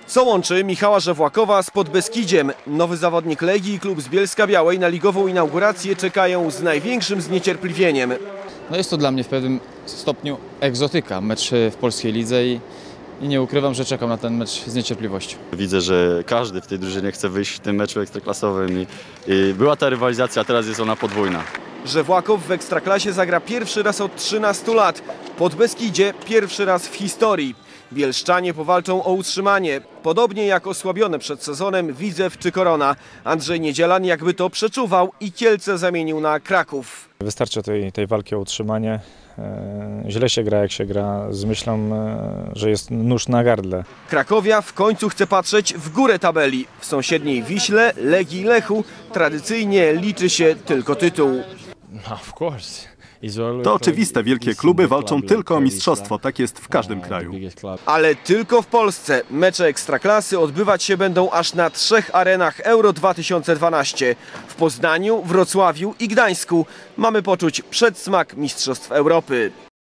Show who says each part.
Speaker 1: Co łączy Michała Żewłakowa z Podbeskidziem? Nowy zawodnik Legii i klub z Bielska-Białej na ligową inaugurację czekają z największym zniecierpliwieniem.
Speaker 2: No jest to dla mnie w pewnym stopniu egzotyka, mecz w polskiej lidze i nie ukrywam, że czekam na ten mecz z niecierpliwością.
Speaker 3: Widzę, że każdy w tej drużynie chce wyjść w tym meczu ekstraklasowym i była ta rywalizacja, a teraz jest ona podwójna.
Speaker 1: Żewłakow w Ekstraklasie zagra pierwszy raz od 13 lat. Podbeskidzie pierwszy raz w historii. Bielszczanie powalczą o utrzymanie, podobnie jak osłabione przed sezonem Widzew czy Korona. Andrzej Niedzielan jakby to przeczuwał i Kielce zamienił na Kraków.
Speaker 4: Wystarczy tej walki o utrzymanie. Źle się gra, jak się gra z myślą, że jest nóż na gardle.
Speaker 1: Krakowia w końcu chce patrzeć w górę tabeli. W sąsiedniej Wiśle, Legii i Lechu tradycyjnie liczy się tylko tytuł.
Speaker 5: To oczywiste, wielkie kluby walczą tylko o mistrzostwo, tak jest w każdym kraju.
Speaker 1: Ale tylko w Polsce. Mecze Ekstraklasy odbywać się będą aż na 3 arenach Euro 2012. W Poznaniu, Wrocławiu i Gdańsku. Mamy poczuć przedsmak Mistrzostw Europy.